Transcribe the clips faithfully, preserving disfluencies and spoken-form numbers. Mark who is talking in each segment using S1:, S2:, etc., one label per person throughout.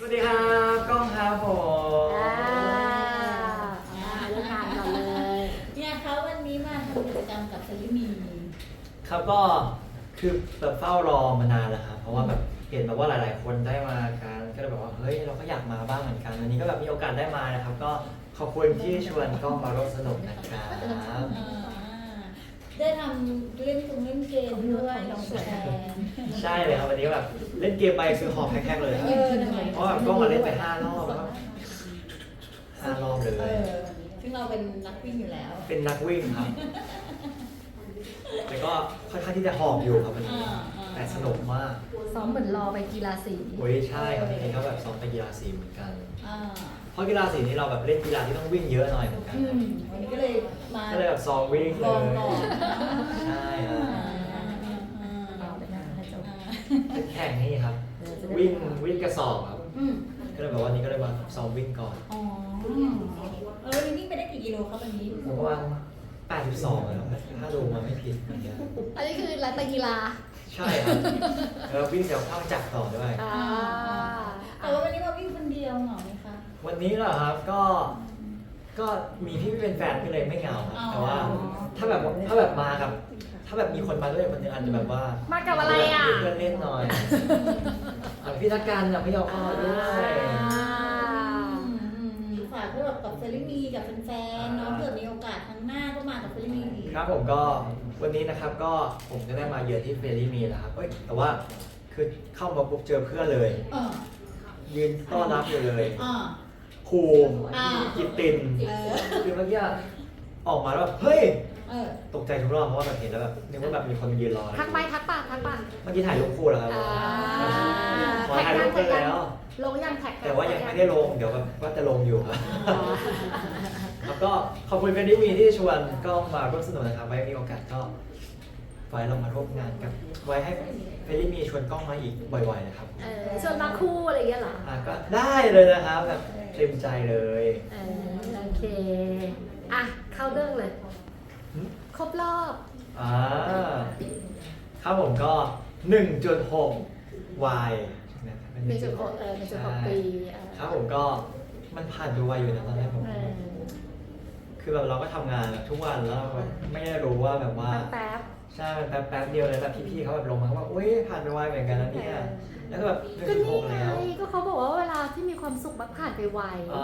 S1: วัสดีครับกล้องครับผม
S2: อ่าอ่าเรื่องงานก่อนเลย
S3: เนี่ยเขาวันนี้มาทำกิจกรรมกับเซรีมี
S1: ครับก็คือแบบเฝ้ารอมานานแล้วครับเพราะว่าแบบเห็นแบบว่าหลาย ๆ คนได้มากันก็เลยแบบว่าเฮ้ยเราก็อยากมาบ้างเหมือนกันวันนี้ก็แบบมีโอกาสได้มานะครับก็ขอบคุณที่ชวนกล้องมาร่วมสนุกนะครับ
S3: อ่าได้ทำเล่นตรงเล่นเกมด้วยน้องแฟน
S1: ใช่เลยครับวันนี้ก็แบบเล่นเกมไปคือหอบแคกๆเลยครับ
S3: เออทำไม
S1: เพราะแบบกล้องมาเล่นไปห้ารอบแล้วก็ห้ารอบเล
S3: เอย อซึ่งเราเป็นนักวิ่งอยู่แล้ว
S1: เป็นนักวิ่งครับแต่ก็ค่อนข้างที่จะหอบอยู่ครับวันนี้
S3: อ่าอ่า
S1: แต่สนุกมาก
S2: ซ้อมเหมือนรอไปกีฬาสี
S1: โอ้ยใช่ครับจริงๆก็แบบซ้อมไปกีฬาสีเหมือนกัน
S3: อ่า
S1: เพราะกีฬาสีนี้เราแบบเล่นกีฬาที่ต้องวิ่งเยอะหน่อยเหมือนกัน
S3: อื
S1: ครับ
S3: มวันนี้ก็เลยมา
S1: ก็เลยแบบซ้อมวิ่งเล
S3: ลอง
S1: ย
S3: ก่อน
S1: ใช่ครับ
S3: อ่าอ่าอ่าอ่า
S2: เอาไปนะให้จบ
S1: เป็นแข่งนี่ครับ
S2: เออจะได้
S1: วิ่งวิ่งกระสอบครับ
S3: อืม
S1: ก็เลยแบบว่านี้ก็เลยมาซ้อมวิ่งก่อน
S3: อ๋อเออวันนี้วิ่งไปได้กี่กิโลครับวันนี้
S1: ผมประมาณแปดสิบสองแล้วถ้าดูมาไม่ผิดเหมือนกัน
S2: อันนี้คือรัตกีฬา
S1: ใช่ครับแล้ววิ่งเดี๋ยวเข้าจักรต่อด้วย
S2: อ่า
S3: แต่ว่าวันนี้มาวิ่งคนเดียวเหงาไหมคะ
S1: วันนี้เหรอครับก็ก็มีพี่ที่เป็นแฟนก็เลยไม่เหงาครับ
S3: อ๋อ
S1: แต่ว่าถ้าแบบถ้าแบบมากับ ถ้าแบบมีคนมาด้วยคนหนึงอาจจะแบบว่า
S2: มา
S1: มา
S2: กับอะไรอ่ะ
S1: เพื่อนเล่นหน่อยแบบพี่ทักการกับพี่ยอเข้ามาด้วย
S2: อ่า
S3: อืมอืมอืมฝากพวกเรากับเฟรนมีกับแฟนๆเนาะเผื่อมีโอกาสครั้งหน้าก็มากับเฟรนมีอีก
S1: ครับผมก็วันนี้นะครับก็ผมก็ได้มาเยือนที่เฟรลี่มีแล้วครับเอ้ยแต่ว่าคือเข้ามาปุ๊บเจอเพื่อนเลย
S3: เออ
S1: ยืนต้อนรับอยู่เลย
S3: อ่า
S1: ครู
S3: อ่า
S1: กิตติน
S3: เออ
S1: คือเมื่อกี้ออกมาแล้วแบบเฮ้ย
S3: เออ
S1: ตกใจทุกรอบเพราะว่าแบบเห็นแล้วแบบนึกว่าแบบมีคนยืนรอ
S2: ทักไปทักปะทักปะ
S1: เมื่อกี้ถ่ายรูปคู่แล้วครับ
S2: อ่า
S1: ขอถ่ายรูปกันแล้ว
S2: ลงยังแท็ก
S1: แต่ว่ายังไม่ได้ลงเดี๋ยวแบบว่าจะลงอยู่ครับแล้วก็ขอบคุณเฟรนลี่มีที่ชวนก็มาร่วมสนุกนะครับไว้มีโอกาสก็ไว้เรามาร่วมงานกับไว้ให้เฟรนลี่มีชวนกล้องมาอีกบ่อยๆนะครับ
S2: เออชวนมาคู่อะไรอย่างเงี้ยเหรอ
S1: อ่ะก็ได้เลยนะครับแบบเต็มใจเลย
S2: เออโอเค อ่ะ เข้าเรื่องเลย ครบรอบ
S1: อ่าครับผมก็ หนึ่งจุดหก วาย นะครับเป็น
S2: หนึ่งจุดหกเออหนึ่งจุดหกปีเออ
S1: ครับผมก็มันผ่านไปไวอยู่นะตอนแรกผม
S2: เออ
S1: คือแบบเราก็ทำงานแบบทุกวันแล้วแบบไม่ได้รู้ว่าแบบว่า
S2: แป๊บ
S1: ใช่มันแป๊บแป๊บเดียวเลยแบบพี่ๆเขาแบบลงมาว่าอุ้ยผ่านไปไวเหมือนกันนะเนี่ยแล้วก็แบบหนึ่ง
S2: ก็
S1: จุดห
S2: นี่
S1: ก
S2: ไง
S1: แล้ว
S2: ก็เขาบอกว่าเวลาที่มีความสุขมักผ่านไปไว
S1: อ่า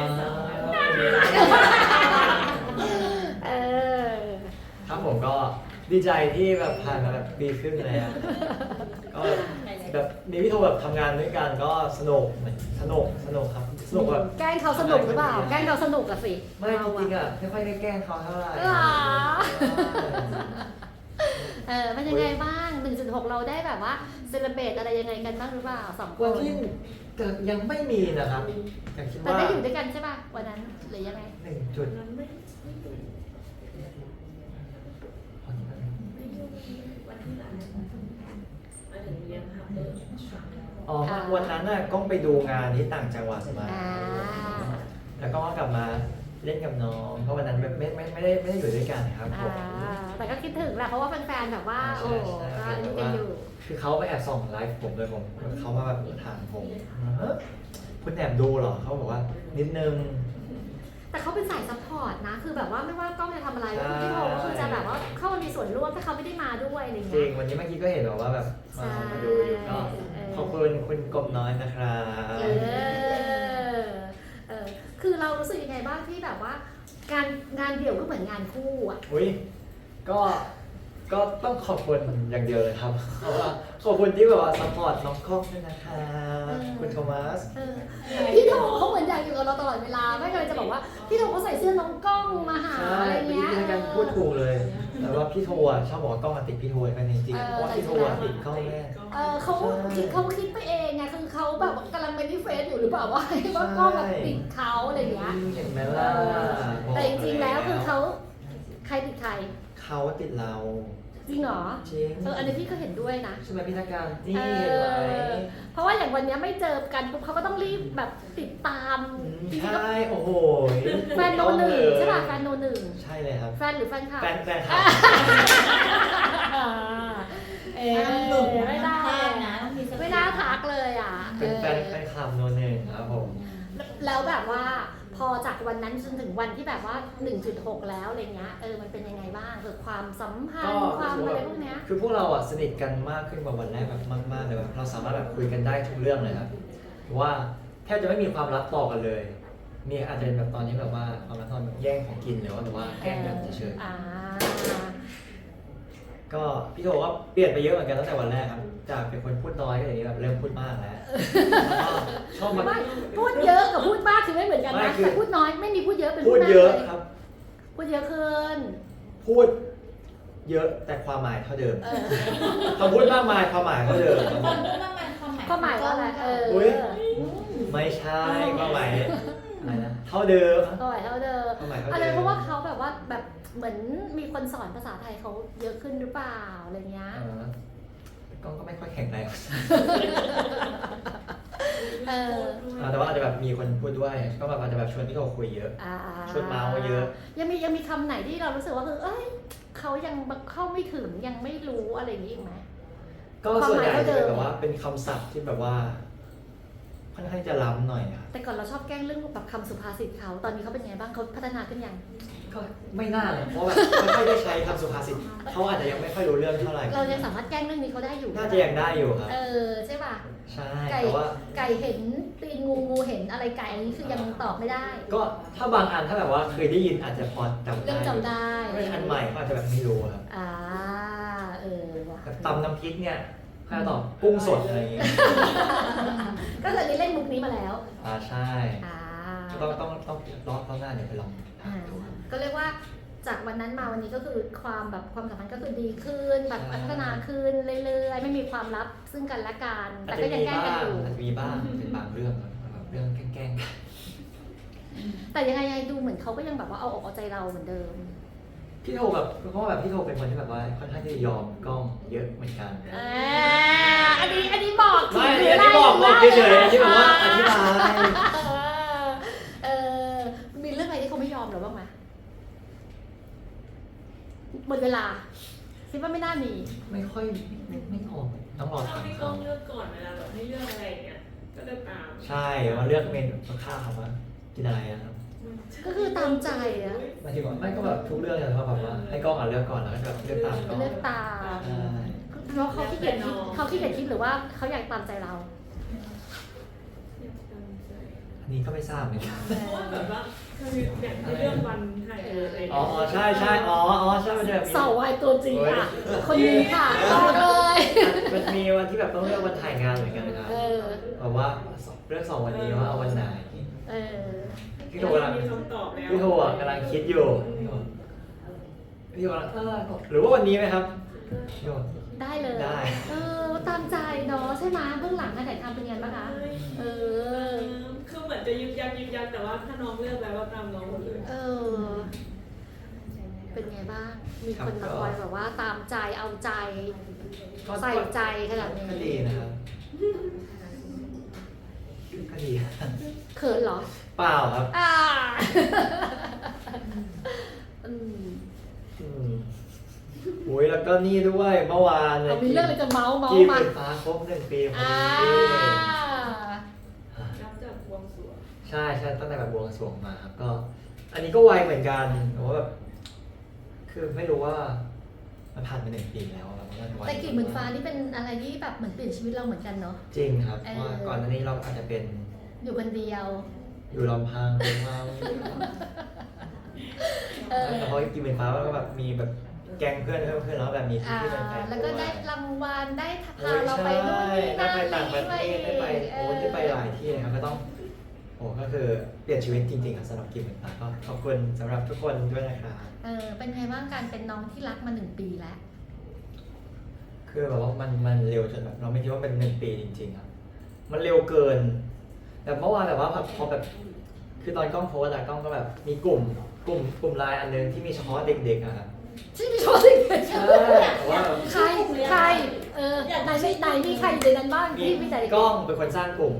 S2: เออ
S1: ครับผมก็ดีใจที่แบบผ่านมาแบบดีขึ้นเลยอะก็แบบมีพี่โทแบบทำงานด้วยกันก็สนุกสนุกสนุกครับสนุกแบบ
S2: แกล้งเขาสนุกหรือเปล่า แกล้งเขาสนุกอะสิ
S1: ไม่จริงๆอ่ะไม่ค่อยได้แกล้งเขาเท่าไหร่
S2: หรอ เออเป็นยังไงบ้าง หนึ่งจุดหก เราได้แบบว่าเซเลบรตอะไรยังไงกันบ้างหรือเปล่าสองค
S1: วัน
S2: น
S1: ที่แต่ยังไม่มีนะครับแต่คิด
S2: แต่
S1: ว่า
S2: ได้อยู่ด้วยกันใช่ป่ะวันนั้นหรือยังไง
S1: หนึ่งจุดอ๋อวันนั้นน่ะก้องไปดูงานที่ต่างจังหวัดมา
S2: อ่า
S1: แล้วก็กลับมาเล่นกับน้องเพราะวันนั้นแบบไม่ไม่ไม่ได้ไม่ได้อยู่ด้วยกันครับผ
S2: อ่าม แต่ก็คิดถึงแหละเพราะว่าแฟนๆแบบว่า โอ้ก็อันนี้กันอยู่
S1: คือเขาไปแอบส่องไลฟ์ผมเลยผมเขามาแบบถามผมเฮ้ยคุณแอบดูเหรอเขาบอกว่านิดนึง
S2: แต่เขาเป็นสายซัพพอร์ตนะ คือแบบว่าไม่ว่ากล้องจะทำอะไร
S1: ใช่
S2: พี่โทก็คือจะแบบว่าเข้ามามีส่วนร่วมถ้าเขาไม่ได้มาด้วยอะไร
S1: จริ
S2: เงี้
S1: ง
S2: ย
S1: วันนี้เมื่อกี้ก็เห็นแบบว่าแบบมา
S2: ใช่
S1: มาดูอยู่ก็
S2: เออ
S1: ขอบคุณคุณกบน้อยนะครับ
S2: เออ เออ คือเรารู้สึกยังไงบ้างที่แบบว่า งานงานเดี่ยวก็เหมือนงานคู่อ่ะ
S1: อุ้ยก็ก็ต้องขอบคุณอย่างเดียวเลยครับเพราะว่าขอบคุณที่แบบว่าซัพพอร์ตน้องกล้องด้วยนะครับคุณโทมัส
S2: เออ พี่โทเขาเหมือนอยากอยู่กับเราตลอดเวลา ไม่เคยจะบอกว่าพี่โทเขาใส่เสื้อน้องกล้องมาหา
S1: ใช่
S2: อะไร
S1: เมื่อกี้
S2: เงี้ย
S1: พี่กันพูดถูกเลย แต่ว่าพี่โทอ่ะชอบบอกว่ากล้องอะติดพี่โทกันจริงๆ
S2: เออ
S1: เพราะว่าพี่โทอ่ะติดกล้องแม่
S2: เออเขาคิดเขาคิดไปเองไงคือเขาแบบกำลังเป็นที่เฟซอยู่หรือเปล่าว่าว่ากล้องแบบติดเขาอะไรเงี้ย
S1: เห็นไหมล่ะ
S2: แต่จริงๆแล้วคือเขาใครติดใคร
S1: เขาติดเรา
S2: จริงเหรอ
S1: จริง
S2: เอออันนี้พี่ก็เห็นด้วยนะ
S1: ใช่ไหมพี่ทักการนี่
S2: เอ
S1: เห็นไหม
S2: อเพราะว่าอย่างวันเนี้ยไม่เจอกันปุ๊บเขาก็ต้องรีบแบบติดตาม
S1: อืม
S2: จริงๆก็
S1: ใช่โอ้โห
S2: แฟนโนหนึ่งใช่ป่ะแฟนโนหนึ่ง
S1: ใช่เลยครับ
S2: แฟนหรือแฟนคลับ
S1: แฟนแฟนคลับ
S2: เออ
S3: ห้ามหลุด
S2: ไม่ได้
S3: ห้ามพลาดนะต้องมีสติ
S2: ไม่ได้ทักเลยอ่ะ
S1: เป็นแฟน
S2: เออ
S1: แฟนคลับโนหนึ่งครับผม
S2: แล้วแบบว่าพอจากวันนั้นจนถึงวันที่แบบว่า หนึ่งจุดหก แล้วอะไรเงี้ยเออมันเป็นยังไงบ้างเกิดความสัมพัน
S1: ก็
S2: ธ์ความอะไรพวกเนี้ย
S1: คือพวกเราอ่ะสนิทกันมากขึ้นกว่าวันแรกแบบมากๆเลยแบบเราสามารถแบบคุยกันได้ทุกเรื่องเลยครับหรือว่าแทบจะไม่มีความลับต่อกันเลย มีอาจจะเป็นแบบตอนนี้แบบว่าความลับตอนแบบแย่งของกินหรือว่าแบบว่าแกล้งกันเฉย
S2: อ่า
S1: ๆก็พี่โทก็เปลี่ยนไปเยอะเหมือนกันตั้งแต่วันแรกครับจากเป็นคนพูดน้อยก็อย่างนี้แบบเริ่มพูดมากแล้วแล้วก็ชอบมา
S2: ไม่พูดเยอะกับพูดมากคือไม่เหมือนกัน
S1: ไม่
S2: นะ
S1: คือ
S2: แต่พูดน้อยไม่มีพูดเยอะเป็น
S1: พู
S2: พู
S1: ด
S2: ดมาก
S1: เยอะ
S2: เลย
S1: ครับ
S2: พูดเยอะขึ้น
S1: พูดเยอะแต่ความหมายเท่าเดิม
S2: เออ
S1: คำพูดมากมายความหมายเท่าเดิม
S3: ความมากมายความหมาย
S2: ก็หมายว่าอะไรเออ
S1: อุ๊ย ไม่ใช่ความหมายอะไรนะเท่าเดิม
S2: ก็หมายเท่าเดิม
S1: ความหมายเท่า
S2: อะไร
S1: เดิม
S2: เพราะว่าเขาแบบว่าแบบเหมือนมีคนสอนภาษาไทยเขาเยอะขึ้นหรือเปล่าอะไรเงี้ย
S1: เออ กล้องก็ไม่ค่อยแข็งแรง
S2: เออ
S1: อ่าแต่ว่าอาจจะแบบมีคนพูดด้วย ก็แบบอาจจะแบบชวนพี่โทคุยเยอะ
S2: อ่า
S1: ชวนเมาส์เยอะ
S2: ยังมียังมีคำไหนที่เรารู้สึกว่าคือเอ้ยเขายังเข้าไม่ถึงยังไม่รู้อะไรอย่างนี้อีกไหม
S1: ก็ส่วนใหญ่
S2: ความหมาย
S1: จะ
S2: เท่าเดิ
S1: เป็น
S2: ม
S1: แบบว่าเป็นคำศัพท์ที่แบบว่าค่อนข้างจะล้ำหน่อยอะ
S2: แต่ก่อนเราชอบแกล้งเรื่องแบบคำสุภาษิตเขาตอนนี้เขาเป็นไงบ้างเขาพัฒนาขึ้นยัง
S1: ก็ไม่น่าเลยเพราะแบบไม่ค่อยได้ใช้คำสุภาษิตเขาอาจจะยังไม่ค่อยรู้เรื่องเท่าไหร่
S2: เรายังสามารถแกล้งเรื่องนี้เขาได้อยู่
S1: น่าจะยังได้อยู่ครับ
S2: เออใช่ป่ะ
S1: ใช่
S2: ไก่
S1: แต่ว่า
S2: ไก่เห็นตีนงูงูเห็นอะไรไก่อันนี้คือยังตอบไม่ได้
S1: ก็ถ้าบางอันถ้าแบบว่าเคยได้ยินอาจจะพอจำได้
S2: เรื่องจำได้
S1: ถ้าเป็นอันใหม่ก็อาจจะแบบไม่รู้ครับ
S2: อ่าเออว่ะ
S1: แบบตำน้ำพริกเนี่ยถ้าตอบกุ้งสดอะไรอย่างเงี้ย
S2: ก็เลยเล่นมุกนี้มาแล้ว
S1: อ่าใช่
S2: อ่า
S1: ต้องต้องต้องรอบรอบหน้าเดี๋ยวไปลอง
S2: อ่า
S1: ดูครับ
S2: ก็เรียกว่าจากวันนั้นมาวันนี้ก็คือความแบบความสัมพันธ์ก็คือดีขึ้นแบบ
S1: ใช่
S2: พัฒนาขึ้นเรื่อยๆไม่มีความลับซึ่งกันและกัน
S1: อา
S2: แต่
S1: จจะ
S2: ก็ยัง
S1: มี
S2: แกล้ง
S1: บ้า
S2: กัน
S1: ง
S2: อยู่
S1: อาจจะมีบ้างเป็นบางเรื่องครับแบบเรื่องแกล้งๆกัน
S2: แต่ยังไงยังไงดูเหมือนเขาก็ยังแบบว่าเอาอกเอาใจเราเหมือนเดิม
S1: พี่โทแบบเพราะว่าแบบพี่โทเป็นคนที่แบบว่าค่อนข้ข้างที่จะยอมกล้องเยอะเหมือนกัน
S2: อ่าอันนี้อันนี้บอก
S1: ไม่
S2: หรื
S1: อันนี้บอกบอกเฉยๆอันนี้แบบว่าอธิบาย
S2: เออมีเรื่องอะไรที่เขาไม่ยอมหรือบ้างไหมหมดเวลาคิดว่าไม่น่ามี
S1: ไม่ค่อยไม่ไม่ออกต้องรอ
S4: ชอบ
S1: ถาม
S4: ที่กล้
S1: เขา
S4: องเลือกก่อนเวลาแบบให้เลือกอะไรอย่างเงี้ย ก็จะตาม
S1: ใช่ว่าเลือกเมนูข้าวว่ากินอะไรนะครับ
S2: ก็คือตามใจอะ
S1: หมายถึงว่าไม่ก็แบบทุกเรื่องเลยเพราะแบบว่าให้กล้องอ่ะเลือกก่อนแล้วก็จะเลือกตามกล้อง
S2: เลือกตาม
S1: ใช่
S2: เพราะเขาขี้เกียจคิดเขาขี้เกียจคิดหรือว่าเขาอยากตามใจเรา
S1: อันนี้ก็ไม่ทราบเหมือนกัน
S4: เพราะว่าแบบว่าคืออย่างที่เลือกวันถ่ายงานอะไรอย่าง
S1: อ๋อ
S4: เงี้ย
S1: อ๋อใช่ใช่อ๋ออ๋อใช่มันจะแบบมี
S2: เสาวายตัวจริงอ่ะ คนนี้ค่ะบอกเลย
S1: มันมีวันที่แบบต้องเลือกวันถ่ายงานเหมือนกันนะครับ
S2: เออ
S1: แบบว่าเลือกสองวันนี้ว่าเอาวันไหน
S2: เออ
S1: พี่โทกำลัง
S4: มีคำตอบแล้ว
S1: พี่โทอ่ะกำลังคิดอยู่พี่โทกำลังเออหรือว่าวันนี้ไหมครับพี่โท
S2: ได้เลย
S1: ได้
S2: เออตามใจเนาะใช่ไหมเบื้องหลังการถ่ายทำเป็นไงบ้างคะ เออ
S4: คือเหมือนจะยึกยักยึกยักแต่ว่าถ้าน้องเลือกแล้วก็ตามน้องหมดเลย
S2: เออ เป็นไงบ้าง มีคนมาคอยแบบว่าตามใจเอาใจ
S1: ก็
S2: ใส่ใจขนาดนี้
S1: ก็ดีนะครับก็ดี
S2: เขินเหรอ
S1: เปล่าครับ
S2: อ่าอืม
S1: อืมโอ้ยแล้วก็นี่ด้วยเมื่อวานเนี่ย
S2: เอามีเรื่องอะไรจะเมาส์เมา
S1: กี
S2: ส์
S1: บ
S2: มา
S1: ไฟฟ้าครบหนึ่งปีพอ
S2: อ่า
S1: ดี
S4: นับจากบวงสรวง
S1: ใช่ใช่ตั้งแต่แบบบวงสรวงมาครับก็ อันนี้ก็ไวเหมือนกันแต่ว่าแบบคือไม่รู้ว่ามันผ่านมาหนึ่งปีแล้วอะแบบมันไว
S2: แต่กีบหมื่นฟ้านี่เป็นอะไรที่แบบเหมือนเปลี่ยนชีวิตเราเหมือนกันเนาะ
S1: จริงครับ
S2: เออ
S1: เพราะว่าก่อนหน้านี้เราอาจจะเป็น
S2: อยู่คนเดียว
S1: อยู่ลำพังเป็นเมา
S2: เออ
S1: แต่พอกีบไฟฟ้าก็แบบมีแบบแก๊งเพื่อนเพิ่มขึ้นแล้วแบบมี
S2: อ่า
S1: ที่เป็นแฟน
S2: แล้วก็
S1: ด้วย
S2: ได้รางวัลได้พา
S1: โอ้ย
S2: เราไป
S1: ใช่
S2: นู่นนี่
S1: ได้
S2: นั่น
S1: ไปต่างประเทศได้ไป
S2: เอ
S1: โอ้
S2: อ
S1: ได้ไปหลายที่เลยครับก็ต้องโอ้ก็คือเปลี่ยนชีวิตจริงๆครับสำหรับกิมเหมือนกันก็ขอบคุณสำหรับทุกคนด้วยนะครับ
S2: เออเป็นไงบ้างการเป็นน้องที่รักมาหนึ่งปีแล้ว
S1: คือแบบว่ามันมันเร็วจนแบบเราไม่คิดว่าเป็นหนึ่งปีจริงๆครับมันเร็วเกินแต่เมื่อวานแบบว่าพอแบบคือตอนกล้องโพสต์อะกล้องก็แบบมีกลุ่มกลุ่มกลุ่มไลน์อันนึงที่มีเฉพาะเด็กๆอะครับ
S2: ที่มีโชว์สิ่งเดียว
S1: ใช่แต่ว่าแบบ
S2: ใครใครเออไหนไม่ไหนมีใครอยู่ในนั้นบ้าง
S1: มี
S2: ที่มีแต่
S1: กล้องเป็นคนสร้างกลุ่ม
S2: อ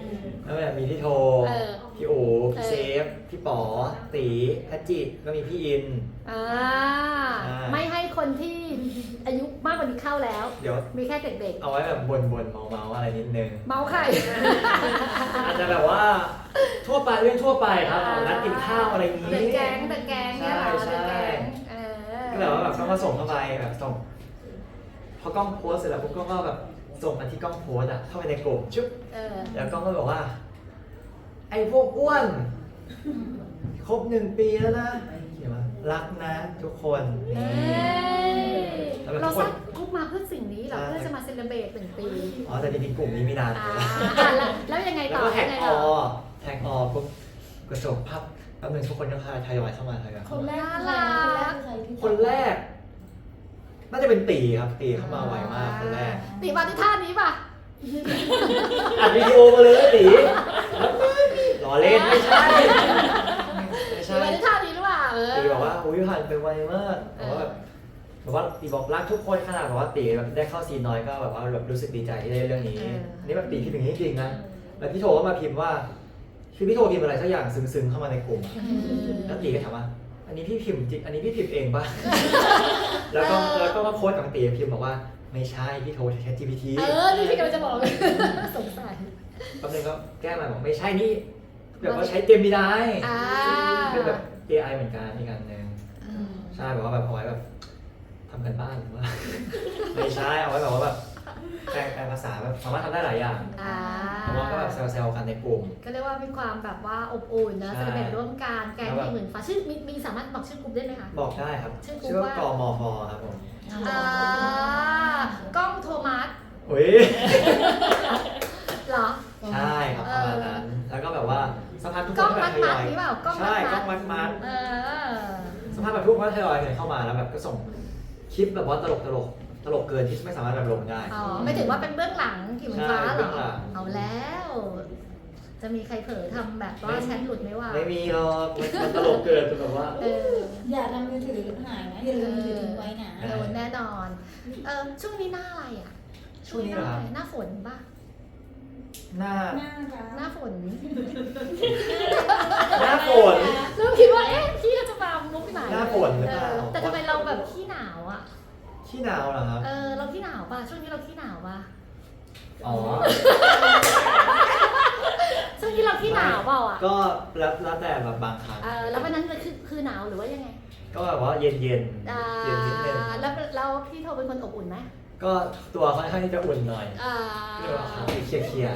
S1: แล้วแบบมีพี่โท
S2: เออ
S1: พี่อู๋
S2: เออ
S1: เซฟ พี่ป๋อ ตีพัจจิก็มีพี่อิน
S2: อ่า
S1: ใช่
S2: ไม่ให้คนที่อายุมากกว่านี้เข้าแล้ว
S1: เดี๋ยว
S2: มีแค่เด็ก
S1: เอาไว้แบบบนๆเมาๆอะไรนิดนึง
S2: ๆ เมาไข่
S1: อาจจะแบบว่าทั่วไปเรื่องทั่วไปครับเอานัดกินข้าวอะไรอย่างนี้
S2: เดอะแก๊งเดอะแก๊งเนี่ยเหรอ
S1: ใช่
S2: เดอะแก๊ง
S1: ใช่
S2: เออ
S1: ก็แบบว่าแบบต้องมาส่งเข้าไปแบบส่งพอกล้องโพสเสร็จแล้วปุ๊บก็ก็แบบส่งมาที่กล้องโพสอะเข้าไปในกลุ่มชุบ
S2: เออ
S1: แล้วกล้องก็บอกว่า ไอ้พวกอ้วนครบหนึ่งปีแล้วนะเขียนว่ารักนะทุกคน
S2: เอ้
S1: นี่
S2: ย
S1: แล้วแบบ
S2: เรา
S1: ทุกค
S2: สร้าน งกรุ๊ปมาเพื่อสิ่งนี้เหรอ
S1: ใช่
S2: เพื่อจะมาเซเลบรตหนึ่งปี
S1: อ๋อแต่จริงๆกลุ่มนี้มีนาน
S2: อ่า
S1: แล้ว
S2: แล้วแล้วยังไง
S1: แล้ว
S2: ต่อ
S1: ก็แท็
S2: ยั
S1: ก
S2: งไง
S1: อ
S2: ต่อ
S1: อแท็กออปุ๊บกระจกภาพแป๊บนึงทุกคนก็ทยอยเข้ามาทยอย
S3: ค
S1: เข้าน มา
S3: แรกคือใครคนแรกคือใครที่
S1: คนแรก น่าจะเป็นตีครับตีเข้ามาไวมากคนแรก
S2: ตีมาที่ท่านี้ป่ะ
S1: อัดวิดีโอมาเลยตีรอเล่นไม่ใช่ไม่
S2: ตี
S1: ใช่
S2: มาที่ท่านี้หรือเปล่าเออ
S1: ตีบอกว่าอุ้ยผ่านไปไวมากบอกว่าแบบบอกว่าตีบอกรักทุกคนขนาดบอกว่าตีแบบได้เข้าซีนน้อยก็แบบว่าแบบรู้สึกดีใจที่ได้เรื่องนี้อันนี้แบบตีคิดอย่างนี้จริงนะแล้วพี่โทก็มาพิมพ์ว่าคือพี่โทพิมพ์อะไรสักอย่างซึ้งๆเข้ามาในกลุ่ม แล้วตีก็ถามว่า อันนี้พี่พิมพ์จริงอันนี้พี่พิมพ์เองป่ะ แล้วก็แล้วก็มาโค้ดกับตีพิมพ์บอกว่าไม่ใช่พี่โทรแชท จี พี ที
S2: เออนี่พี่กำลังจะบอกเลยสงสัย
S1: แป๊บนึงก็แก้มาบอกไม่ใช่นี่แบบว่าใช้เจมินาย
S2: อ่า
S1: เป็นแบบ เอ ไอ เหมือนกันอีกอันหนึ่งใช่แบบว่าแบบเอาไว้แบบทำกันบ้านหรือว่า ไม่ใช่เอาไว้แบบว่าแบบแปลแปลภาษาแบบสามารถทำได้หลายอย่าง
S2: อ่า
S1: แต่ว่าก็แบบแซวๆกันในกลุ่ม
S2: ก็เรียกว่ามีความแบบว่าอบอุ่นนะ
S1: ใช่
S2: เซเลบรตร่วมกันแกง
S1: แล้วแบบ
S2: ที่เหมือนฟ้าชื่อมีมีสามารถบอกชื่อกลุ่มได้ไหมคะ
S1: บอกได้ครับ
S2: ชื่อกลุ่ม
S1: ชื่อว่า
S2: ว่า
S1: กมฟครับผม
S2: อ่ากล้องโทมัส
S1: อุ้ย
S2: เหรอ
S1: ใช่ครับประมาณนั้น แล้วก็แบบว่าสภาพทุกค
S2: กล้อง
S1: นก็
S2: มั
S1: แบบ
S2: ด
S1: ท
S2: มั
S1: ย
S2: ด
S1: อย
S2: นี่เปล่ากล้องมั
S1: ใช่
S2: ด
S1: กล้
S2: มั
S1: อง
S2: ด
S1: มัดมัด
S2: เออ
S1: สภาพแบบทุกคนก็ทยอยกันเข้ามาแล้วแบบก็ส่งคลิปแบบว่าตลกตลกตลกเกินที่ไม่สามารถแบบลงได้
S2: อ๋อไม่ถึงว่าเป็นเบื้องหลังกี่เหมือนฟ้า
S1: ใช่
S2: เหร
S1: เบื้
S2: อ
S1: องหลัง
S2: เอาแล้ว จะมีใครเผลอทำแบบว่าแชทหลุดไหมวะ
S1: ไม่มีหรอกมันมันตลกเกินจนแบบว่า
S2: เออ
S3: อย่าทำมือถือหายนะอย่าลืมมือถือทิ้งไว้นะ
S2: โดนแน่นอน เออช่วงนี้หน้าอะไรอ่ะ
S1: ช่วงนี้เหรอครับ
S2: หน้าฝนป่ะ
S1: หน้า
S3: น่ารัก
S2: หน้าฝน
S1: หน้าฝน
S2: เริ่มคิดว่าเอ๊ะพี่เราจะมามุกไหน
S1: หน้าฝนหรือเปล่า
S2: เออแต่ทำไมเราแบบขี้หนาวอ่ะ
S1: ขี้หนาวเหรอครับ
S2: เออเราขี้หนาวป่ะช่วงนี้เราขี้หนาวป่ะ
S1: อ๋อ
S2: ช่วงนี้เราขี้หนาวเปล่าอ่ะ
S1: ก็แล้วแล้วแต่แบบบางครั้ง
S2: เออแล้ววันนั้นคือคือหนาวหรือว่ายังไง
S1: ก็แบบว่าเย็นเย็น
S2: อ่า
S1: เย็นนิดนึง
S2: แล้วแล้วพี่โทเป็นคนอบอุ่นไหม
S1: ก็ตัวค่อนข้างที่จะอุ่นหน่อย
S2: อ่า
S1: เรียกว่าขาเคลียร์เคลียร์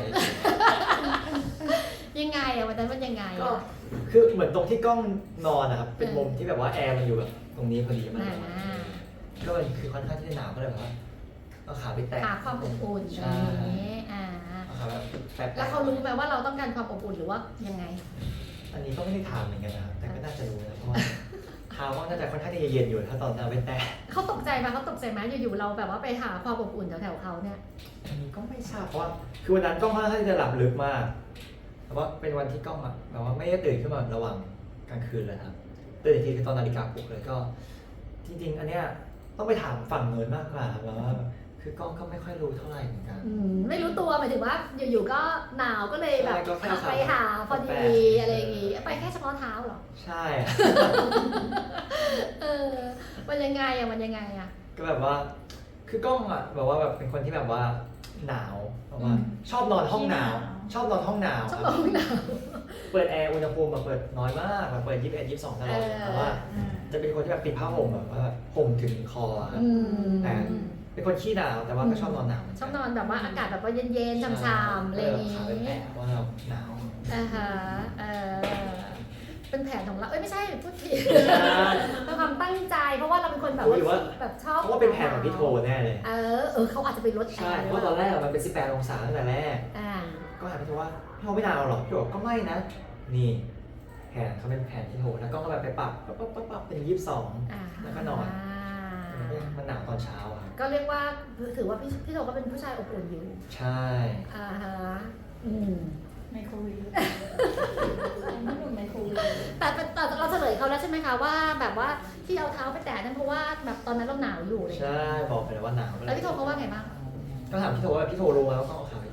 S2: ยังไงอะวันนั้นมันยังไง
S1: ก็
S2: อะ
S1: คือเหมือนตรงที่กล้องนอนนะครับ เป็นมุมที่แบบว่าแอร์มันอยู่แบบตรงนี้พอดีมัน
S2: อ่า
S1: ก็มันคือค่อนข้างที่จะหนาวก็เลยแบบว่าเอาขาไปแตะ
S2: หาความอบอุ่น
S1: ใช่
S2: อย่างนี้อ่า
S1: เอาขาแบบแตะๆ
S2: แล้วเขารู้ไหมว่าเราต้องการความอบอุ่นหรือว่ายังไง
S1: อันนี้ก็ไม่ได้ถามเหมือนกันนะครับแต่ก็น่าจะรู้นะเพราะว่าเท้าก็น่าจะค่อนข้างที่จะเย็นอยู่ถ้าตอนเอาไปแตะ
S2: เขาตกใจไหมเขาตกใจไหมอยู่ๆเราแบบว่าไปหาความอบอุ่นแถวๆเขาเนี่ย
S1: อันนี้ก็ไม่ทราบเพราะว่าคือวันนั้นกล้องค่อนข้างที่จะหลับลึกมาก แต่ว่าเป็นวันที่กล้องอะแบบว่าไม่ได้ตื่นขึ้นมาระหว่างกลางคืนเลยครับตื่นอีกทีคือตอนนาฬิกาปลุกเลยก็ จริงๆ อันเนี้ยต้องไปถามฝั่งเนินมากกว่าครับแล้วว่าแบบคือกล้องก็ไม่ค่อยรู้เท่าไหร่เหมือนกัน
S2: อืมไม่รู้ตัวหมายถึงว่าอยู่ๆก็หนาวก็เลยแบบ
S1: ใช่ก็แค่ขา
S2: ไปหาพอ
S1: แปล
S2: ดี
S1: กๆ
S2: อะไรอย่างงี้ไปแค่เฉพาะเท้าเหรอ
S1: ใช่อะ
S2: เออมันยังไงอะมันยังไงอะ
S1: ก็แบบว่า คือกล้องอะแบบว่าแบบเป็นคนที่แบบว่าหนาวแบบว่าชอบนอนห้องหนาว ชอบนอนห้องหนาว
S2: ชอบ
S1: ครับ
S2: มองหนาว
S1: เปิดแอร์อุณหภูมิมาเปิดน้อยมากแบบเปิดยี่สิบเอ็ด ยี่สิบสองตลอด
S2: เออ
S1: แต่ว่าจะเป็นคนที่แบบติดผ้าห่มแบบว่าแบบห่มถึงคออะครับ
S2: อืม
S1: แต่เป็นคนขี้หนาวแต่ว่าก็ชอบนอนหนาว
S2: ชอบนอนแบบว่าอากาศแบบว่าเย็นๆชามๆอะไรอย่าง
S1: งี้
S2: งี้
S1: แปะว่าเราหนาว
S2: อ่าฮะเออเป็นแผนของเรา เอ้ยไม่ใช่พูดผิดเป็นความตั้งใจ เพราะว่าเราเป็นคนแบบ
S1: หรือว่า
S2: แบบชอบ
S1: เพราะว่าเป็นแผนของพี่โทแน่เลย
S2: เออเออเขาอาจจะไปลดแอ
S1: ใช่
S2: ร์
S1: เพราะว่าตอนแรกอะมันเป็นสิบแปดองศาตั้งแต่แรก
S2: อ่า
S1: ก็ถามพี่โทว่าพี่โทไม่หนาวหรอพี่บอกก็ไม่นะ นี่แผนเขาเป็นแผนพี่โทแล้วก็ก็แบบไปปรับปั๊บปั๊บปั๊บปั๊บเป็นยี่สิบสอง
S2: อ่า
S1: แล้วก็นอน มันหนาวตอนเช้าอะ
S2: ก็เรียกว่าถือว่าพี่พี่โตก็เป็นผู้ชายอบอุ่นอยู่
S1: ใช่
S2: อ่าฮะอืม
S3: ไมโครเวฟไม่หนุ่มไมโครเวฟ
S2: แต่แต่แต่เราเฉลยเขาแล้วใช่ไหมคะว่าแบบว่าที่เอาเท้าไปแตะนั่นเพราะว่าแบบตอนนั้นเราหนาวอยู่เลย
S1: ใช่บอกไปแล้วว่าหนาว
S2: แล้วพี่โทเขาว่าไงบ้าง
S1: ก็ถามพี่โทว่าพี่โทรู้ไหมว่าต้องเอาขาไปแตะพี่โท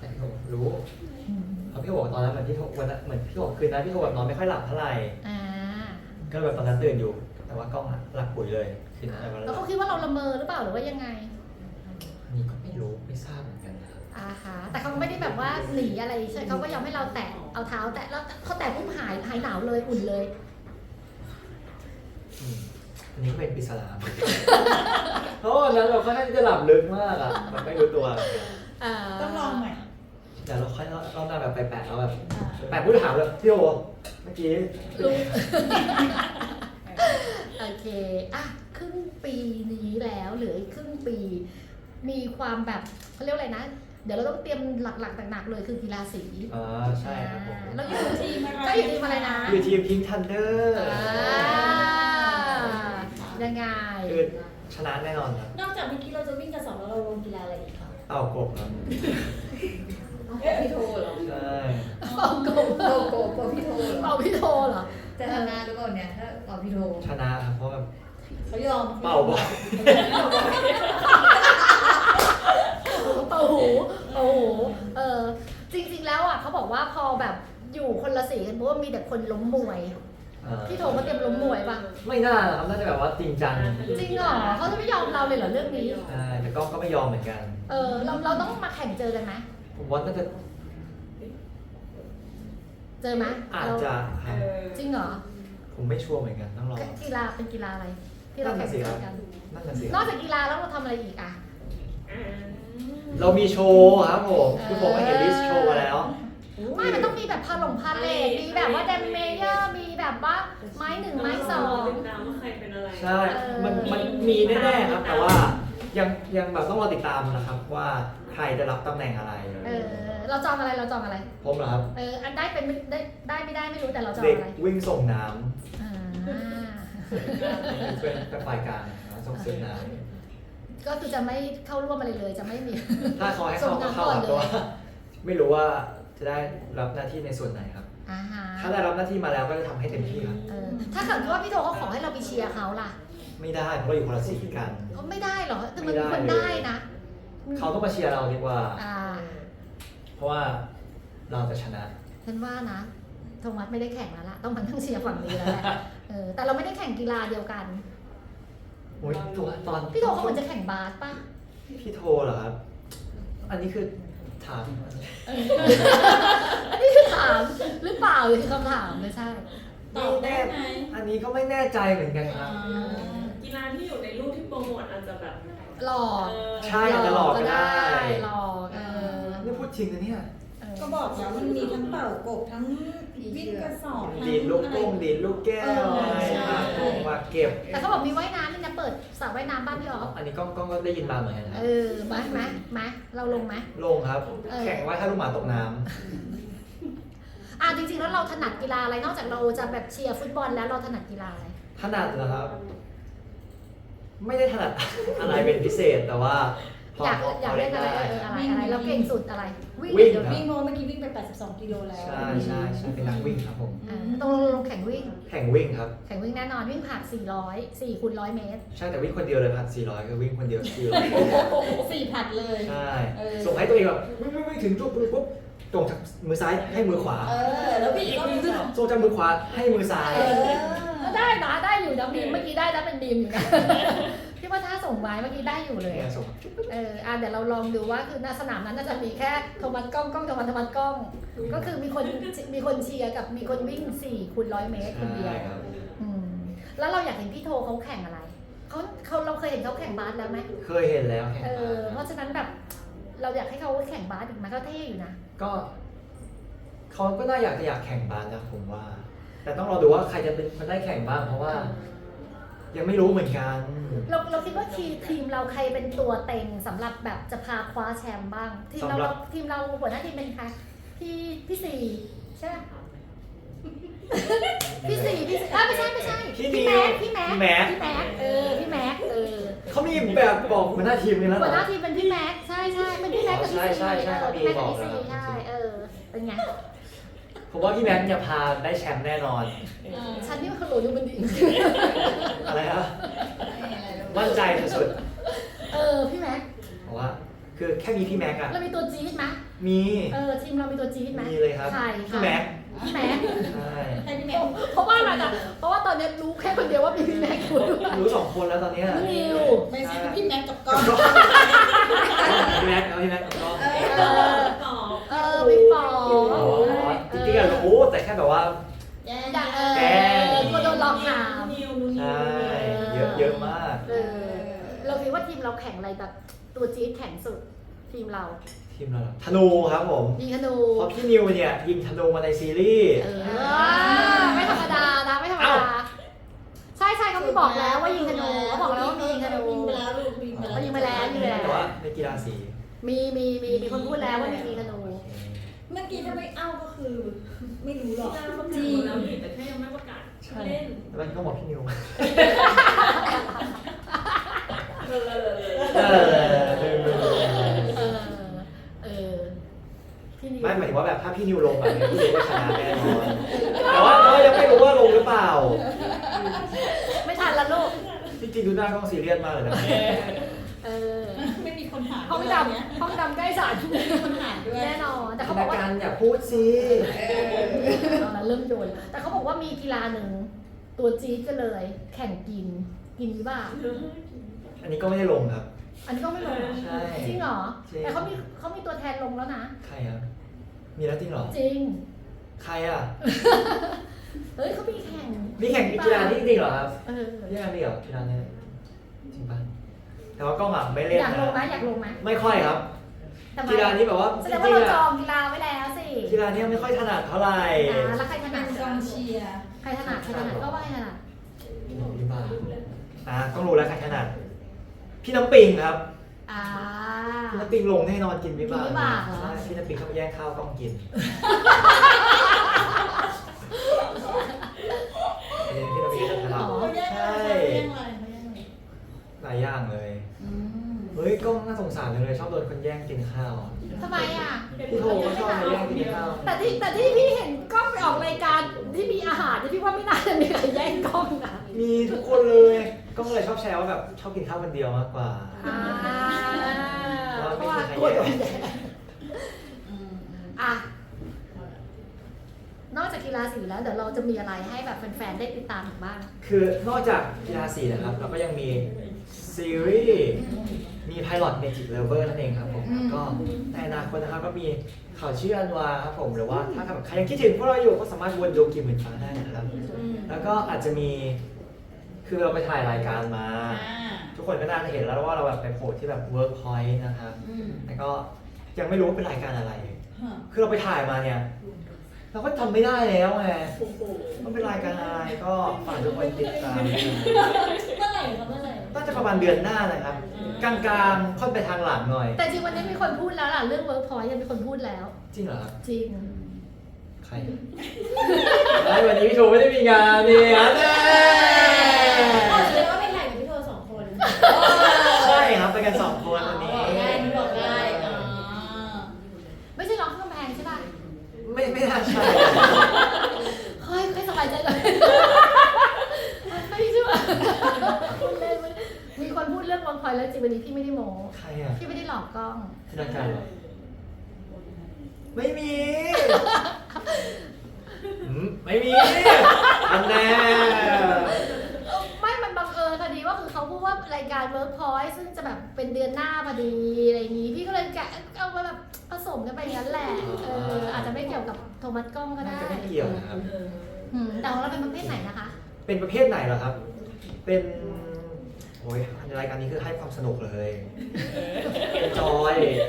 S1: รู้เพราะพี่โอบอกตอนนั้นเหมือนพี่โทวันนั้นเหมือนพี่โอคืนนั้นพี่โอแบบนอนไม่ค่อยหลับเท่าไหร่
S2: อ่า
S1: ก็แบบตอนนั้นตื่นอยู่ แต่ว่ากล้องอะหลับปุ๋ยเลยคืนนั้นวัน
S2: แล้
S1: นั้
S2: วน เขาคิดว่าเราละเมอหรือเปล่าหรือว่ายังไง
S1: นี่ก็ไม่รู้ไม่ทราบเหมือนกันนะครับ
S2: อ่าฮะแต่เขาไม่ได้แบบว่าหนีอะไรใช่เขาก็ยอมให้เราแตะเอาเท้าแตะแล้วเขาแตะปุ๊บหายหายหนาวเลยอุ่นเลย
S1: อืมอันนี้ก็เป็นปริศนา เพราะวันนั้นเราค่อนข้างที่จะหลับลึกมากอะมันไม่รู้ตัว
S2: อ่า
S3: ต้องลองใหม่
S1: เดี๋ยวเราค่อยรอบหน้าแบบไปแปะแล้วแบบ
S3: อ่า
S1: แปะพูดถามเลยพี่โอเมื่อกี้
S2: รู้ โอเคอ่ะครึ่งปีนี้แล้วเหลืออีกครึ่งปี มีความแบบเขาเรียกว่าอะไรนะ เดี๋ยวเราต้องเตรียมหลักๆหนักๆเลยคือกีฬาสี
S1: อ่าใช่ครับผม
S2: เราอยู่ทีมก็อยู่ทีมอะไรนะ
S1: อยู่ทีมพิงทันเดอร์
S2: อ่ายังไง
S1: คือชนะแน่นอนครับ
S3: นอกจากเมื่อกี้เราจะวิ่งกระสอบแล้วเราลงกีฬาอะไรอีกคะ
S1: เต่ากบครับ
S5: พี่โทเหรอ
S1: ใช่
S2: เป่าโกบ
S5: โกโกโกพี่โทเหรอ
S2: เป่าพี่โทเหรอ
S5: จะชนะหรือเปล่าเนี่ยถ้าเป่าพี่โท
S1: ชนะครับเพราะแบบ
S3: เขายอม
S1: เป่าบอล
S2: เป่าหูเป่าหูเออจริงๆแล้วอ่ะเขาบอกว่าพอแบบอยู่คนละสีกันเพราะว่ามีแต่คนล้มมวย
S1: อ่า
S2: พี่โทเขาเตรียมล้มมวยป่ะ
S1: ไม่น่านะครับน่าจะแบบว่าจริงจัง
S2: จริงเหรอเขาจะไม่ยอมเราเลยเหรอเรื่องนี้
S1: ใช่แต่กล้องก็ไม่ยอมเหมือนกัน
S2: เออเราเราต้องมาแข่งเจอกันไหม
S1: ผมว่าน่าจะ
S2: เจอไหม
S1: อาจ
S2: เรา
S1: จะครับ
S2: จริงเหรอ
S1: ผมไม่ชัวร์เหมือนกันต้องรอ
S2: กีฬาเป็นกีฬาอะไร ที่เราแข่งขันกัน
S1: นั่นน่ะสิ
S2: นอกจากกีฬาแล้วเราทำอะไรอีกอ่ะ
S1: เรามีโชว์ครับผมคือผมก็เห็นลิสต์โชว์มาแล้ว
S2: ไม่มันต้องมีแบบพาลงพาเลทมีแบบว่าแดมเมเยอร์มีแบบว่าไม้หนึ่งไม้สอง
S4: ติดตามว่าใครเป็นอะไร
S1: ใช่ มันมันมีแน่ๆครับ แต่ว่ายังยังแบบต้องรอติดตามนะครับว่าใครจะรับตำแหน่งอะไร
S2: เออเราจองอะไรเราจองอะไร
S1: ผมเหรอครับ
S2: เอออันได้เป็นไม่ได้ได้ไม่ได้ไม่รู้แต่เราจอง
S1: เด็ก
S2: อะไร
S1: วิ่งส่งน้
S2: อ่า
S1: ำเป็นเป็นฝ่ายกลางนะครับส่งเสียงน้
S2: ก็คือจะไม่เข้าร่วมอะไรเลยจะไม่มี
S1: ำถ้าเขาให้เข้าก็เข้าครับแต่ว่าไม่รู้ว่าจะได้รับหน้าที่ในส่วนไหนครับ
S2: อ่าฮะ
S1: ถ้าได้รับหน้าที่มาแล้วก็จะทำให้เต็มที่ครับ
S2: เออถ้าเกิดว่าพี่โทเขาขอให้เราไปเชียร์เขาล่ะ
S1: ไม่ได้เพราะเราอยู่คนละสีกัน
S2: ก็ไม่ได้เหรอแต่มัน
S1: ไม่
S2: มี
S1: ได้
S2: คน
S1: เลย
S2: ได้นะ
S1: เขาต้องมาเชียร์เราดีกว่า
S2: อ่า
S1: เพราะว่าเราจะชนะ
S2: ฉันว่านะโทมัสไม่ได้แข่งแล้วล่ะต้องมานั่งเชียร์ฝั่งนี้แล้วแหละเออแต่เราไม่ได้แข่งกีฬาเดียวกัน
S1: โอ้ยตัวตอน
S2: พี่โทเขาเหมือนจะแข่งบาสป่ะ
S1: พี่โทเหรอครับ อันนี้คือถาม
S2: อันนี้คือถามหรือเปล่าหรือคือคำถามไม่ใช่
S3: ตอบได้ไหม
S1: อันนี้ก็ไม่แน่ใจเหมือนกันครับ
S4: กีฬาที่อยู่ในรูปที่โปรโมทอาจจะแบบ
S2: หลอก
S4: เออ
S1: ใช่อาจจะหลอกก็ได้
S2: หลอกเออ
S1: นี่พูดจริงนะเนี่ย
S2: เออ
S3: ก็บอกแล้วมันมีทั้งเป่ากบทั้งวิ่งกระสอบทั้ง
S1: ดีดลูกโป่ง
S3: อะไร
S1: ดีดลูกแก้วอะไร
S3: ใช่
S1: มาโป่งมาเก็บ
S2: แต่เขาบอกมีว่ายน้ำนี่นะเปิดสระว่ายน้ำบ้านพี่ออฟ
S1: อันนี้กล้องกล้องก็ได้ยินมาเหมือนกันนะ
S2: เออมาไหมมาเราลงไหม
S1: ลงครับ
S2: เออ
S1: แข่งไว้ถ้าลูกหมาตกน้
S2: อ่ะจริงๆแล้วเราถนัดกีฬาอะไรนอกจากเราจะแบบเชียร์ฟุตบอลแล้วเราถนัดกีฬาอะไร
S1: ำถนัดเหรอครับ ไม่ได้ถนัด อะไรเป็นพิเศษแต่ว่าพอ
S2: อยาก
S1: พอ
S2: อยาก
S1: พอ
S2: เล่นอะไร
S1: ได้
S2: เอออะไรอะไรเราเก่งสุดอะไร วิ่ง
S1: วิ่ง
S2: เดี๋ยว
S1: ครับ
S3: วิ่งโมเมื่อกี้วิ่งไปแปดสิบสองกิโลแล้ว
S1: ใช่ใช่ใช่เป็นนักวิ่งครับผม
S2: อ่าต้องลงแข่งวิ่ง
S1: แข่งวิ่งครับ
S2: แข่งวิ่งแน่นอนวิ่งผ่านสี่ร้อย สี่คูณร้อยเมตร
S1: ใช่แต่วิ่งคนเดียวเลยพันสี่ร้อยคือวิ่งคนเดียวสี่ร้อย
S3: สี่ผัดเลย
S1: ใช่
S3: เออ
S1: ส่งให้ตัวเองแบบวิ่งวิ่งวิ่งถึงจุดปุ๊บตรงจากมือซ้ายให้มือขวา
S3: เออ แล้วพี่
S1: อีก
S3: ก็
S1: วิ่งขึ้นส่งจากมือขวาให้มือซ้าย
S3: เออ
S2: ก็ได้นะได้อยู่นะบีมเมื่อกี้ได้นะเป็นบีมอยู่นะ พี่ว่าถ้าส่งไม้เมื่อกี้ได้อยู่เลย
S1: เนี่ยส่ง
S2: เอออ่ะเดี๋ยวเราลองดูว่าคือหน้าสนามนั้นน่าจะมีแค่โทมัสกล้องกล้องโทมัสโทมัสกล้อง ก็คือมีคนมีคนเชียร์กับมีคนวิ่งสี่คูณร้อยเมตรคนเดียว
S1: ใช่ครับ
S2: อืมแล้วเราอยากเห็นพี่โทเขาแข่งอะไรเขาเขาเราเคยเห็นเขาแข่งบาสแล้วไหม
S1: เคยเห็นแล้วแข่ง
S2: เอ
S1: มา
S2: อเพราะฉะนั้นแบบเราอยากให้เขาแข่งบาสอีกไหมก็เท่อยู่นะ
S1: ก็เขาก็น่าอยากจะอยากแข่งบาสนะผมว่า แต่ต้องรอดูว่าใครจะเป็นคนได้แข่งบ้างเพราะว่า ยังไม่รู้เหมือนกัน
S2: เราเราคิดว่าทีทีมเราใครเป็นตัวเต็งสำหรับแบบจะพาคว้าแชมป์บ้าง ทีมเราเราทีมเราหัวหน้าทีมเป็นใครพี่พี่สี่ใช่ไหมพี่สี่พี่สี่อ่ะไม่ใช่ไม่ใช่
S1: พี่
S2: พี่
S1: นิว
S2: แม็กพี่แม็ก
S1: พี่แม็ก
S2: พี่แม็กเออพี่แม็กเออ
S1: เขามีแบบบอกหัวหน้าทีมเลยแล้วเห
S2: หั
S1: ร
S2: ว
S1: อ
S2: หน้าทีมเป็นพี่แม็กใช่ใช่เป็นพี่แม็กกับพี่
S1: ใช่
S2: สี่
S1: ใช่ใช่
S2: เออ
S1: เขามี
S2: พี่แม็ก
S1: บ
S2: กับ
S1: อก
S2: พี่สี่
S1: แล้ว
S2: ใช่เออเป็นไง
S1: ผมว่าพี่แม็กซ์จะพาได้แชมป์แน่นอน
S2: ฉันนี่มันขลุ่ยมันดี
S1: อะไรครับมั่นใจสุด
S2: เออพี่แม็ก
S1: ๆเพราะว่า คือแค่มีพี่แม็กซ์อะ
S2: เรามีตัวจี๊ดไหม
S1: มี
S2: เออทีมเรามีตัวจี๊ดไหม
S1: มีเลยครับ
S2: ใคร
S1: พี่แม็ก
S2: พี่แม็ก
S1: ใช่
S3: ให้พี่แม่
S2: เพราะว่าอะไรอ่ะเพราะว่าตอนนี้รู้แค่คนเดียวว่ามีพี่แม็กอยู่ด้วย
S1: รู้สองคนแล้วตอนเนี้ย
S2: พี่นิว
S3: ไม่ใช่พี่แม็กกับก้อง
S1: พี่แม็กเอาพี่แม็กกับกล้อง
S3: เอ
S2: เอ
S3: อ
S2: อ
S4: ต่อ
S2: เออพี่ปอ
S1: อ๋อจริงๆอะรู้แต่แค่แบบว่า
S3: แย่
S2: อยากเอ
S1: แกล้
S2: อง กลัวโดนหลอกถาม
S4: นิวนิว
S1: ใช่เยอะเยอะมาก
S2: เออเราคิดว่าทีมเราแข่งอะไรแบบตัวจี๊ดแข่งสุดทีมเรา
S1: ทีมเราเหรอธนูครับผม
S2: ยิงธนู
S1: เพราะพี่นิวเนี่ยยิงธนูมาในซีรีส์
S2: เออไม่ธรรมดานะไม่ธรรมดาใช่ใช่เขาไม่บอกแล้วว่ายิงธนูเขาบอกแล้วว่ามียิงธนู
S3: ยิงไปแล้วลูกยิงไปแล้ว
S2: เขายิงไปแล้วยิงไปแล้ว
S1: แต่ว่าในกีฬาสี
S2: มีมีมีมีคนพูดแล้วว่ามียิงธนู
S3: เมื่อกี้ถ้าไม่เอ้าก็คือ ไม่รู้หรอก
S4: จ้างเขา
S3: จริ
S4: จี
S3: ง
S4: แล้วนี่แต่แค่ยังไม่ประกาศเล่น
S1: แล้วมันก็บอกพี่นิว
S4: เออ
S1: เออ
S2: เออเออพี่นิว
S1: ไม่หมายถึงว่าแบบถ้าพี่นิวลงแบบนี้พี่นิวก็ชนะแน่นอนแต่ว่าก็ยังไม่รู้ว่าลงหรือเปล่า
S2: ไม่ทันละลูก
S1: จริงๆดูหน้ากล้องซีเรียสมากเลยนะ
S2: เออ
S3: ไม่มีคนหา
S2: ห้องด
S3: เนี้ย
S2: ำห้องดำใกล้ศาล
S3: ไม่มีคนหาด้วย
S2: แน่นอนแต่เขาบ
S1: นา
S2: อกว่า
S1: การอย่าพูดสิ
S2: เอาละเริ่มโยนแต่เขาบอกว่ามีกีฬาหนึ่งตัวจี๊ดก็เลย แข่งกินกินหรือเปล่า
S1: อันนี้ก็ไม่ได้ลงครับ
S2: อันนี้ก็ไม่ลงเหรอ
S1: ใช่
S2: จริงเหรอ
S1: จริง
S2: แต่เขามีเขามีตัวแทนลงแล้วนะ
S1: ใครครับมีแล้วจริงเหรอ
S2: จริง
S1: ใครอ่ะ
S2: เฮ้ยเขามีแข่ง
S1: มีแข่งกีฬานี้จริงเหรอครับ
S2: เออ
S1: พี่แอนมีเหรอกีฬานี้จริงป่ะแต่ว่าก็หมักไม่เล่น
S2: อยากลงไหม
S1: นะ
S2: อยากลงไหม
S1: ไม่ค่อยครับ
S2: ทำไม
S1: กีฬานี้แบบว่า
S2: แส
S1: จ
S2: ดงว่า
S1: ริง
S2: เรา
S1: ๆ
S2: จ
S1: อะ
S2: องกีฬาไว้แล้วสิ
S1: กีฬานี้ไม่ค่อยถนัดเท่าไหร่
S2: อ่าแล้วใครถนัด
S3: เป็นกองเชียร์
S2: ใครถนัดใครถนัดก็ว่าใครถนัด
S1: พี่บ้าอ่ะต้องรู้แล้วใครถนัดพี่น้ำปิงครับ
S2: อ่า
S1: พี่น้ำปิงลงแน่นอนกินวิบาก
S2: กินวิบากเหรอ
S1: ใช่พี่น้ำปิงเขาไปแย่งข้าวต้องกินอันนี้พี่น้ำปิงจะทำ
S3: เขาแย่ง
S1: ใช่
S3: อะไรเขาแย่งอะไรเขาแย่งอะไร
S1: หลายอย่างเลย
S3: อืม
S1: เฮ้ยก็น่าสงสารเลยชอบโดนคนแย่งกินข้าว
S2: ทำไมอ่ะ
S1: พี่โทก็ชอบมาแย่งกินข้าว
S2: แต่ที่แต่ที่พี่เห็นกล้องไปออกรายการที่มีอาหารที่พี่ว่าไม่น่าจะมีใครแย่งกล้องนะ
S1: มีทุกคนเลยก็เลยชอบแชร์ว่าแบบชอบกินข้าวคนเดียวมากกว่า
S2: อ่า
S1: ว่า
S2: เพ
S1: ไม่
S2: ราะว่า
S1: มีใคร
S2: กลัวโดน
S1: แย่ง
S2: แย่ง
S3: อืมอืม
S2: อ่ะนอกจากกีฬาสีแล้วเดี๋ยวเราจะมีอะไรให้แบบแฟนๆได้ติดตามอีกบ้าง
S1: คือนอกจากกีฬาสีนะครับ เราก็ยังมีซีรีส์มี Pilot Magic Lover นั่นเองครับผมก็ในอนาคตนะครับก็มีข่าวชื่ออันวาครับผมหรือว่าถ้าใครยังคิดถึงพวกเราอยู่ก็สามารถวนดูกิมหมื่นฟ้าได้นะครับ
S3: อืม
S1: แล้วก็อาจจะมีคือเราไปถ่ายรายการมา
S3: อ่า
S1: ทุกคนก็น่าจะเห็นแล้วว่าเราแบบไปโผล่ที่แบบ Workpoint นะครับ
S3: อืม
S1: แต่ก็ยังไม่รู้ว่าเป็นรายการอะไร
S3: ฮะ
S1: คือเราไปถ่ายมาเนี่ย เราก็จำไม่ได้แล้วไง
S4: โอ้โห
S1: ว่าเป็นรายการอะไรก็ฝากทุกคนติดตามด้วยนะ
S3: เมื่อไหร่ครับเมื่อไหร่
S1: น่าจะประมาณเดือนหน้านะครับ กลางๆค่อยไปทางหลังหน่อย
S2: แต่จริงวันนี้มีคนพูดแล้วล่ะเรื่อง Workpoint ยังมีคนพูดแล้ว
S1: จริงเหรอครับ
S2: จริง
S1: ใครไม่วันนี้พี่โทไม่ได้มีงานนี่ฮะแน่
S3: อ๋อแสดงว่าไปถ่ายกับพี่โทสองคน
S1: ใช่ครับไปกันสองคนวันนี้
S3: บอกได้นี่บอกได้อ๋อ
S2: ไม่ใช่ร้องข้างกำแพงใช่ป่ะ
S1: ไม่ไม่น่าใช่
S2: ค่อยค่อยสบายใจหน่อยไม่ใช่ป่ะพูดเล่นไม่มีคนพูดเรื่อง Workpoint แล้วจริงวันนี้พี่ไม่ได้โม้
S1: ใครอ่ะ
S2: พี่ไม่ได้หลอกกล้อง
S1: ธนาการเหรอไม่มีอืมไม่มีอันแน่
S2: ไม่มันบังเอิญพอดีว่าคือเขาพูดว่ารายการ Workpoint ซึ่งจะแบบเป็นเดือนหน้าพอดีอะไรอย่างงี้ พี่ก็เลยแกะเอามาแบบผสมกันไปอย่างนั้นแหละ เอออาจจะไม่เกี่ยวกับโทมัสกล้องก็
S1: น่า
S2: ได้
S1: จะไม่เกี่ยวนะครับ
S2: อืมแต่ของเราเป็นประเภทไหนนะคะ
S1: เป็นประเภทไหนเหรอครับ เป็นโอ้ยรายการนี้คือให้ความสนุกเลยจอย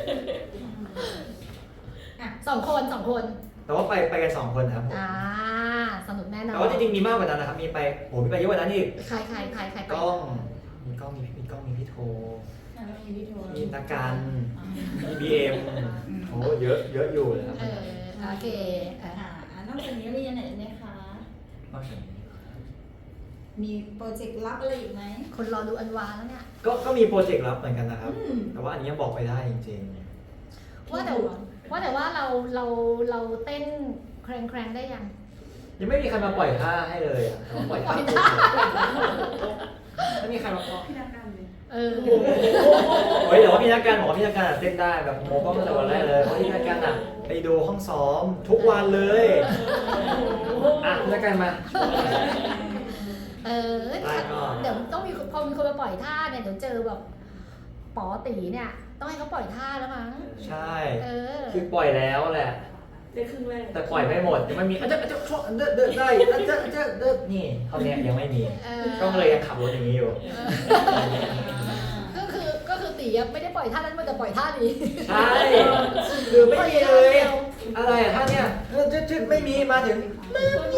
S2: สองคนสองคน
S1: แต่ว่าไปไปกันสองคนนะครับผม
S2: อ่า สนุกแน่นอน
S1: แต่ว่าจริงๆมีมากกว่านั้นนะครับ มีไปโหมีไปเยอะกว่านั้นอีก
S2: ใครใครใครใครไป
S1: กล้อง มีกล้อง มีมีกล้อง มีพี่โท
S3: แล้วมีพี่โท
S1: มีนักการมีบีเอ็มโอ้เยอะเยอะอยู่นะครับ
S2: เออโอเคเออ
S3: อ่าอ่านอกจากนี้มีอันไหนไหมคะ
S1: นอกจากนี้
S3: มีโปรเจกต์ลับอะไรอีกไหม
S2: คนรอดูอันวาแล้วเนี่ย
S1: ก็ก็มีโปรเจกต์ลับเหมือนกันนะครับ
S3: อืม
S1: แต่ว่าอันนี้ยังบอกไม่ได้จริง
S2: ว่าแต่ว่าแต่ว่าเราเราเราเต้นแครงแครงได้ยัง
S1: ๆ ยังไม่มีใครมาปล่อยท่าให้เลยอะแต่ว่าปล่อยท่า
S2: ปล่อยท่า
S1: ไม่มีใครมาปล่อย
S4: พี่นักการเลย
S2: เเออ
S1: เฮ้ยแต่ว่าพี่นักการบอกว่าพี่นักการอะเต้นได้แบบโมก็ตั้งแต่วันแรกเลยเพราะพี่นักการอ่ะไปดูห้องซ้อมทุกวันเลยอ่ะพี่นักการมา
S2: เออ
S1: ได้ก่อน
S2: เดี๋ยวต้องมีพอมีคนมาปล่อยท่าเนี่ยเดี๋ยวเจอแบบปอตีเนี่ยต้องให้เขาปล่อยท่าแล้วมั้ง
S1: ใช่
S2: เออ
S1: คือปล่อยแล้วแหละ
S4: ได้ครึ่งแรก
S1: แต่ปล่อยไม่หมดยังไม่มีอาจจะอาจจะช่วงเดินเดินได้อาจจะอาจจะเดินนี่เท่านี้ยังไม่มี
S2: เออ
S1: ก็เลยยังขับรถอย่างนี้อยู่
S2: ก็คือก็คือตีอะไม่ได้ปล่อยท่านั้นมันจะปล่อยท่านี้
S1: ใช่คือไม่มีเลยอะไรอะท่าเนี้ยเออจะจะไม่มีมาถึงไม่มี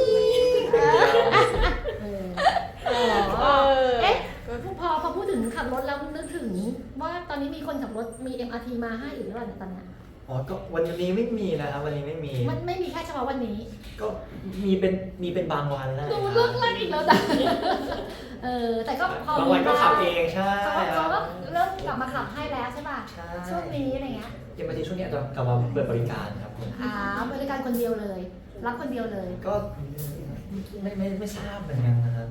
S2: เอออ๋อเอ๊ะพอพอพูดถึงขับรถแล้วนึกถึงว่าตอนนี้มีคนขับรถมี เอ็ม อาร์ ที มาให้อีกหรือเปล่าเนี่ยตอนเนี้ย
S1: อ๋อก็วันนี้ไม่มีนะครับวันนี้ไม่มี
S2: มันไม่มีแค่เฉพาะวันนี้
S1: ก็มีเป็นมีเป็นบางวันนะ
S2: ดูเลิกเล่นอีกแล้วจ้ะเออแต่ก็พอบ
S1: างวันก็ขับเองใช่
S2: เขา
S1: ครั
S2: เขา
S1: บ
S2: ก็เริ่มกลับมาขับให้แล้วใช่ป่ะ
S1: ใช่
S2: ช่วงนี้อะไรเงี้ย
S1: เยังมาทีช่วงเนี้ยจะกลับมาเปิดบริการครับผม
S2: อ่าบริการคนเดียวเลย รับคนเดียวเลย
S1: ก็ไม่ไม่ไม่ทราบเหมือนกันนะครับ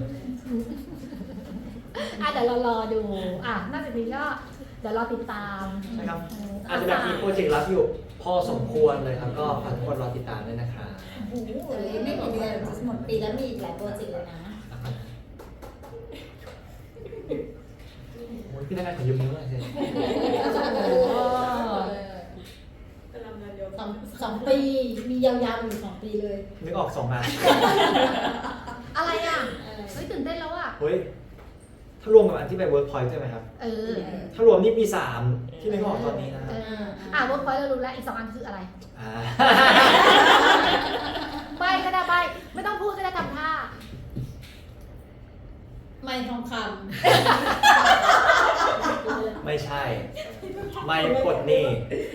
S2: อ่ะเดี๋ยวเรารอดูอ่ะนอกจากนี้ก็เดี๋ยวรอติดตาม
S1: ใช่ครับ
S2: เ
S1: อาจจะแบบมีโปรเจกต์รับอยู่พอสมควรเลยครับก็ฝากทุกคนรอติดตามด้วยนะครับ
S3: โอ้โหเลยไม่กี่เดือนหมดปีแล้วมีอีกหลายโปรเจกต์เลยนะ
S1: โอ้ยพี่นักงานขอยืมนิ้วหน่อยสิ
S4: กำลังงานเดียว
S3: สองสองปีมียาวๆอยู่สองปีเลย
S1: นึกออกสองอัน
S2: อะไรอ่ะเฮ้ยตื่นเต้นแล้วอ่ะ
S1: เฮ้ยถ้ารวมกับอันที่ไปเวิร์กพอยต์ใช่ไหมครับ
S2: เออ
S1: ถ้ารวมนี่มีสามที่นึกออกตอนนี้นะค
S2: เอ
S1: รับ
S2: ออ่ะเวิร์กพอยต์เรารู้แล้วอีกสองอันคืออะไร
S1: อ่า
S2: ใบก็ได้ใบไม่ต้องพูดก็ได้ทำท่า
S3: ไม่ทองค
S1: ไม่ใช่ ไม่ปลดหนี้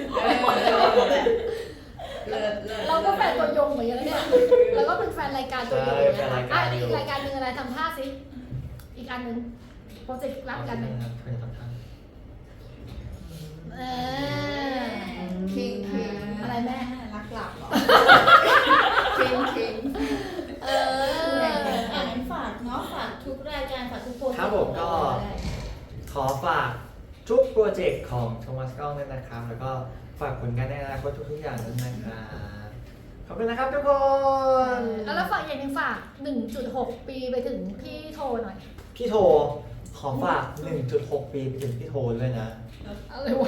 S5: เลิศเลิศ
S2: เราก็แฟนตัวยงเหมือนกันนะเนี่ยเราก็เป็นแฟนรายการตัวยงเนี่ยอ่ะอีกรายการหนึ่งอะไรทำท่าสิอีกอันหนึ่งโปรเจกต์รับกันหนึ่ง
S1: ครับเป็นทำท่า
S2: เออ
S5: คิงคิง
S2: อะไรแม่
S5: รักหลับเหรอคิงคิง
S2: เอ
S3: ำ
S2: อ
S3: อ่านฝากเนาะฝากทุกรายการฝากทุกโปรเจกต์
S1: ครับผมก็ขอฝากทุกโปรเจกต์ของโทมัสก้องด้วยนะครับ แล้วก็ฝากผลงานในอนาคตทุกๆอย่างด้วยนะครับขอบคุณนะครับทุกคน
S2: แล้วฝากอย่างหนึ่งฝาก หนึ่งจุดหก ปีไปถึงพี่โทหน่อย
S1: พี่โทขอฝาก หนึ่งจุดหก ปีไปถึงพี่โทด้วยนะ
S2: อะไรวะ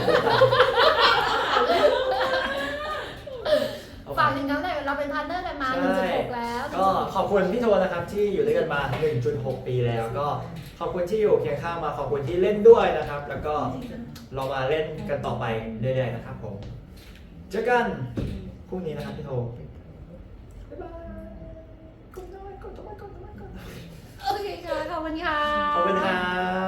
S2: ฝากถึงเขาหน่อยเราเป็นพาร์ทเนอร์กันมา
S1: ใช่
S2: หนึ่งจุดหก แล้ว
S1: ก็ขอบคุณพี่โทนะครับที่อยู่ด้วยกันมา หนึ่งจุดหก ปีแล้ว ก็ขอบคุณที่อยู่เคียงข้างมา ขอบคุณที่เล่นด้วยนะครับ แล้วก็เรามาเล่นกันต่อไปเรื่อยๆนะครับผม เจอกันพรุ่งนี้นะครับพี่โท บ๊ายบายกดน้อยกดน้อยกดน้อยกดน้อย
S2: โอเคค่ะ ขอบคุณค่ะ
S1: ขอบคุณครับ